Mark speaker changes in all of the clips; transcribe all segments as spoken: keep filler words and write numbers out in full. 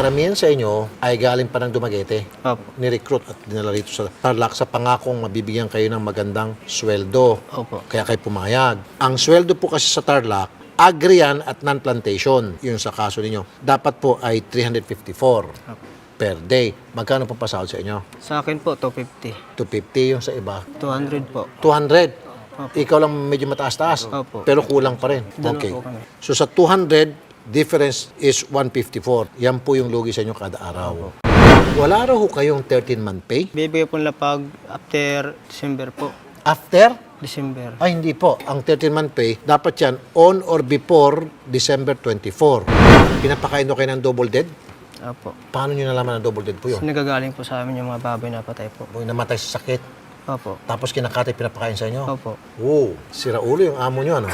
Speaker 1: karamihan sa inyo ay galing pa ng Dumaguete.
Speaker 2: Opo.
Speaker 1: Ni-recruit at dinala rito sa Tarlac sa pangakong mabibigyan kayo ng magandang sweldo.
Speaker 2: Opo.
Speaker 1: Kaya kayo pumayag. Ang sweldo po kasi sa Tarlac, agri yan at non-plantation. Yun sa kaso ninyo. Dapat po ay three hundred fifty-four
Speaker 2: Opo.
Speaker 1: per day. Magkano po pasahod sa inyo?
Speaker 2: Sa akin po, two fifty.
Speaker 1: two fifty yung sa iba.
Speaker 2: two hundred po.
Speaker 1: two hundred.
Speaker 2: Opo.
Speaker 1: Ikaw lang medyo mataas-taas.
Speaker 2: Opo.
Speaker 1: Pero kulang pa rin.
Speaker 2: Dalawa
Speaker 1: Okay.
Speaker 2: po kami.
Speaker 1: So sa two hundred, difference is one fifty-four. Yan po yung lugi sa inyo kada araw. Wala raw ho kayong thirteen-month pay?
Speaker 2: Bibigay po nila pag after December po.
Speaker 1: After?
Speaker 2: December.
Speaker 1: Ay, hindi po. Ang thirteen-month pay, dapat yan on or before December twenty-four. Pinapakain daw kayo ng double dead?
Speaker 2: Opo.
Speaker 1: Paano nyo nalaman na double dead po yun?
Speaker 2: Nagagaling po sa amin yung mga baboy na patay po.
Speaker 1: Yung namatay sa sakit,
Speaker 2: Opo.
Speaker 1: tapos kinakatay, pinapakain sa inyo?
Speaker 2: Opo.
Speaker 1: Wow, sira ulo yung amo nyo, ano?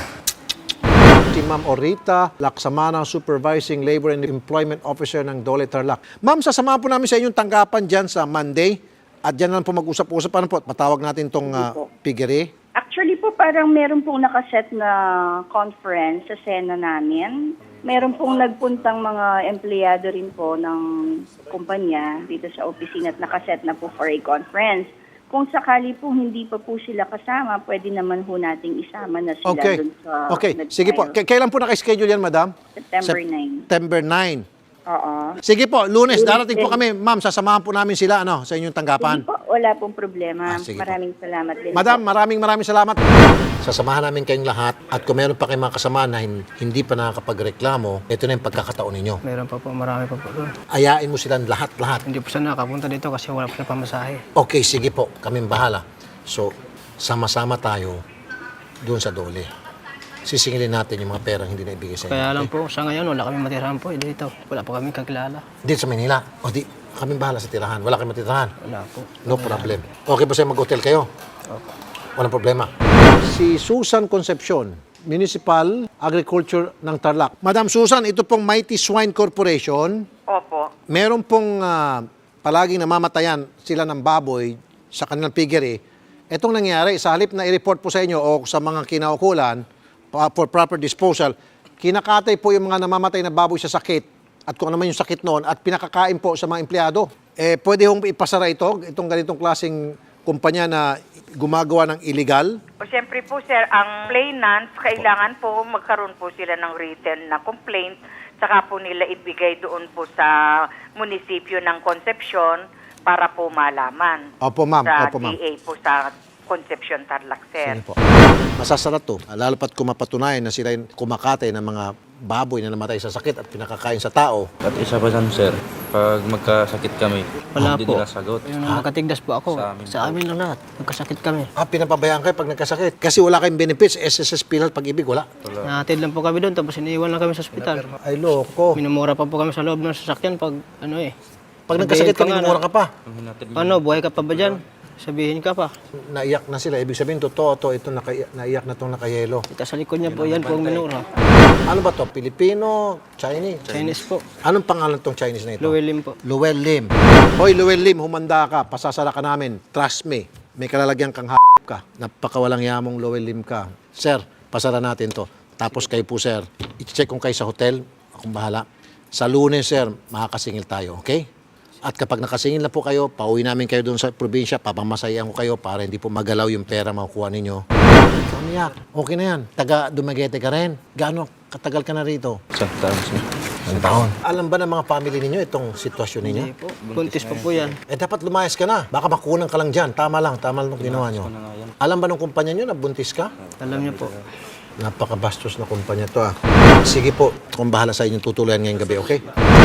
Speaker 1: Si Ma'am Orita Laksamana, Supervising Labor and Employment Officer ng Dole Tarlac. Ma'am, sasamahan po namin sa inyong tanggapan dyan sa Monday. At dyan lang po mag-usap-usap. Ano po? Patawag natin itong uh, piggery.
Speaker 3: Actually po, parang meron pong nakaset na conference sa Sena namin. Meron pong nagpuntang mga empleyado rin po ng kumpanya dito sa opisina at nakaset na po for a conference. Kung sakali po hindi pa po sila kasama, pwede naman po nating isama na sila
Speaker 1: Okay.
Speaker 3: dun sa...
Speaker 1: Okay. Sige po.
Speaker 3: nag-file.
Speaker 1: K- kailan po nakaschedule yan, madam?
Speaker 3: September ninth.
Speaker 1: September ninth.
Speaker 3: Oo.
Speaker 1: Sige po, Lunes,
Speaker 3: Lunes
Speaker 1: darating po
Speaker 3: din.
Speaker 1: kami. Ma'am, sasamahan po namin sila ano, sa inyong tanggapan.
Speaker 3: Hindi po, wala pong problema.
Speaker 1: Ah, sige po.
Speaker 3: Maraming salamat din
Speaker 1: Madam,
Speaker 3: po.
Speaker 1: maraming maraming salamat. Sasamahan namin kayong lahat at kung meron pa kayong mga kasama na hin- hindi pa nakakapagreklamo, ito na yung pagkakataon ninyo.
Speaker 2: Meron pa po, marami pa po doon.
Speaker 1: Ayain mo silang lahat-lahat.
Speaker 2: Hindi po siya nakapunta dito kasi wala po na pamasahe.
Speaker 1: Okay, sige po, kaming bahala. So, sama-sama tayo doon sa Dole. Sisingilin natin yung mga perang hindi na ibigay sa inyo.
Speaker 2: Kaya lang
Speaker 1: okay?
Speaker 2: po, sa ngayon, wala kami matirahan po eh, dito. Wala po kami kakilala.
Speaker 1: Dito sa Manila. O di, kaming bahala sa tirahan. Wala kayong matirahan.
Speaker 2: Wala po.
Speaker 1: No problem. Okay po sa'yo mag-hotel kayo?
Speaker 2: Opo.
Speaker 1: Walang problema. Si Susan Concepcion, Municipal Agriculture ng Tarlac. Madam Susan, ito pong Mighty Swine Corporation.
Speaker 4: Opo.
Speaker 1: Meron pong ah, palaging namamatayan sila ng baboy sa kanilang piggery. Itong nangyari, sa halip na i-report po sa inyo o sa mga kinaukulan pa- for proper disposal, kinakatay po yung mga namamatay na baboy sa sakit at kung ano man yung sakit noon at pinakakain po sa mga empleyado. Eh, pwede hong ipasara ito, itong ganitong klaseng kumpanya na gumagawa ng illegal.
Speaker 4: O siyempre po sir, ang complainants, kailangan po magkaroon po sila ng written na complaint, saka po nila ibigay doon po sa munisipyo ng Concepcion para po malaman.
Speaker 1: Opo, ma'am.
Speaker 4: Sa
Speaker 1: Opo, ma'am.
Speaker 4: D A po sa Concepcion Tarlac, sir.
Speaker 1: Sige po. Masasarap to. Lalo pat kung mapatunayan na sila yung kumakatay ng mga baboy na namatay sa sakit at pinakakain sa tao.
Speaker 5: At isa pa dyan, sir, pag magkasakit kami,
Speaker 2: Wala
Speaker 5: hindi
Speaker 2: po.
Speaker 5: nila sagot.
Speaker 2: Yung nakatigdas po ako.
Speaker 5: Sa amin
Speaker 2: Sa amin lang lahat. Magkasakit kami.
Speaker 1: Ah, pinapabayaan kayo pag nagkasakit. Kasi wala kayong benefits, S S S, PhilHealth, pag-ibig, wala.
Speaker 2: Nahatid lang po kami doon, tapos iniiwan lang kami sa ospital.
Speaker 1: Ay, loko.
Speaker 2: Minumura pa po kami sa loob ng sasakyan pag ano eh.
Speaker 1: Pag nagkasakit ka,
Speaker 2: Sabihin pa nga
Speaker 1: minumura
Speaker 2: na,
Speaker 1: ka pa.
Speaker 5: Ang hinatid mo,
Speaker 2: Ano, buhay ka pa ba dyan? Sabihin ka pa.
Speaker 1: Naiyak na sila. Ibig sabihin, totoo to, ito naka, naiyak na itong nakayelo.
Speaker 2: Ika sa likod niya po, yan po ang minura.
Speaker 1: Ano ba to? Pilipino? Chinese?
Speaker 2: Chinese po.
Speaker 1: Anong pangalan tong Chinese na ito?
Speaker 2: Llewellyn po.
Speaker 1: Llewel Lim. Hoy, Llewel Lim, humanda ka. Pasasara ka namin. Trust me. May kalalagyan kang h*** ka. Napakawalang yamong Llewel Lim ka. Sir, pasara natin to. Tapos kayo po, sir, i-check kung kayo sa hotel. Akong bahala. Sa Lunes, sir, makakasingil tayo, okay? At kapag nakasingil na po kayo, pauwi namin kayo doon sa probinsya, papamasayan ko kayo para hindi po magalaw yung pera makukuha ninyo. Ikaw niyak. Okay na yan. Taga Dumaguete ka rin. Gaano katagal ka na rito?
Speaker 5: isang taon, sir.
Speaker 1: Ang taon. Alam ba ng mga family ninyo itong sitwasyon ninyo?
Speaker 2: Hindi po. Buntis pa po yan.
Speaker 1: Eh dapat lumayas ka na. Baka makunan ka lang dyan. Tama lang. Tama lang itong ginawa nyo. Alam ba ng kumpanya nyo na buntis ka?
Speaker 2: Alam niyo po.
Speaker 1: Napakabastos na kumpanya to ah. Sige po. Kung bahala sa inyong tutuluyan ngayong gabi, okay?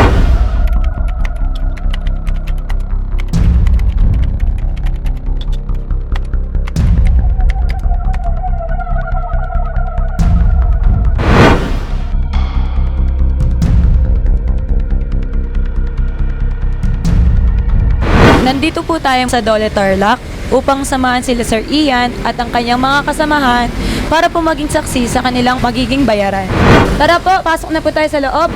Speaker 6: Nandito po tayo sa Dole Tarlac upang samahan sila Sir Ian at ang kanyang mga kasamahan para po maging saksi sa kanilang magiging bayaran. Tara po, pasok na po tayo sa loob.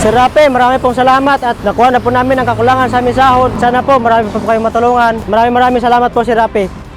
Speaker 2: Sir Rapi, marami pong salamat at nakuha na po namin ang kakulangan sa aming sahod. Sana po marami po, po kayong matulungan. Maraming maraming salamat po, Sir Rapi.